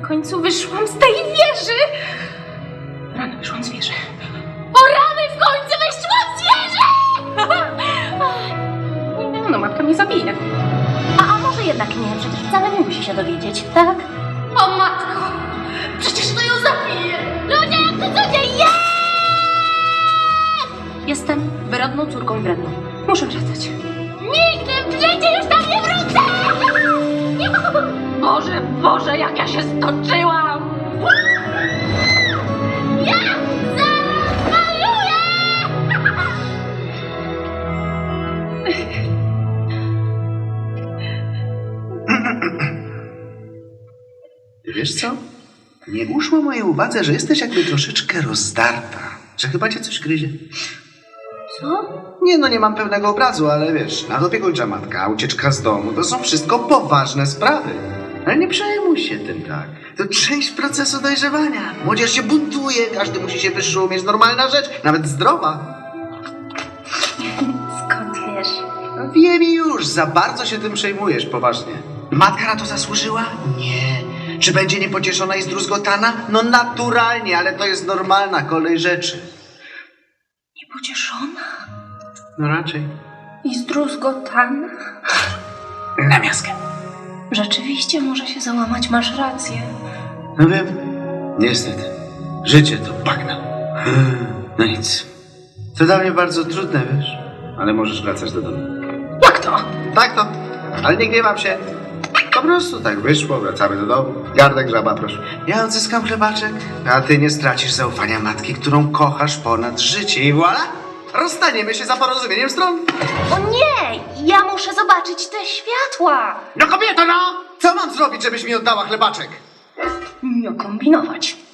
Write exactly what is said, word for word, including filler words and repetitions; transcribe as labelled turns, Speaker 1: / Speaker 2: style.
Speaker 1: W końcu wyszłam z tej wieży! Rany, wyszłam z wieży. O rany, w końcu wyszłam z wieży! No, matka mnie zabije.
Speaker 2: A, a może jednak nie, przecież wcale nie musi się dowiedzieć, tak?
Speaker 1: O matko! Przecież to ją zabije!
Speaker 2: Ludzie, jak to co dzieje?
Speaker 1: Jestem wyrodną córką wredną. Muszę wracać.
Speaker 2: Nigdy w życiu już tam nie wrócę!
Speaker 1: Boże, Boże, jak ja się stoczyłam!
Speaker 2: Ja zaraz zwariuję!
Speaker 3: Wiesz co? Nie uszło mojej uwadze, że jesteś jakby troszeczkę rozdarta. Że chyba cię coś gryzie.
Speaker 2: Co?
Speaker 3: Nie no, nie mam pełnego obrazu, ale wiesz, nadopiekuńcza matka, ucieczka z domu, to są wszystko poważne sprawy. Ale nie przejmuj się tym tak. To część procesu dojrzewania. Młodzież się buntuje, każdy musi się wyszumieć. Normalna rzecz, nawet zdrowa.
Speaker 2: Skąd wiesz?
Speaker 3: No wiem już, za bardzo się tym przejmujesz, poważnie. Matka na to zasłużyła? Nie. Czy będzie niepocieszona i zdruzgotana? No naturalnie, ale to jest normalna kolej rzeczy.
Speaker 1: Niepocieszona
Speaker 3: No raczej.
Speaker 1: i zdruzgotana.
Speaker 3: Na miaskę.
Speaker 1: Rzeczywiście może się załamać, masz rację.
Speaker 3: No wiem. Niestety. Życie to bagna. No nic. To dla mnie bardzo trudne, wiesz? Ale możesz wracać do domu.
Speaker 1: Jak to?
Speaker 3: Tak to. Ale nie gniewam się. Po prostu tak wyszło, wracamy do domu. Gardek, żaba, proszę. Ja odzyskam chleboczek, a ty nie stracisz zaufania matki, którą kochasz ponad życie. I voilà! Rozstaniemy się za porozumieniem stron.
Speaker 2: O nie! Ja muszę zobaczyć te światła!
Speaker 3: No kobieto, no! Co mam zrobić, żebyś mi oddała chlebaczek?
Speaker 1: Nie kombinować.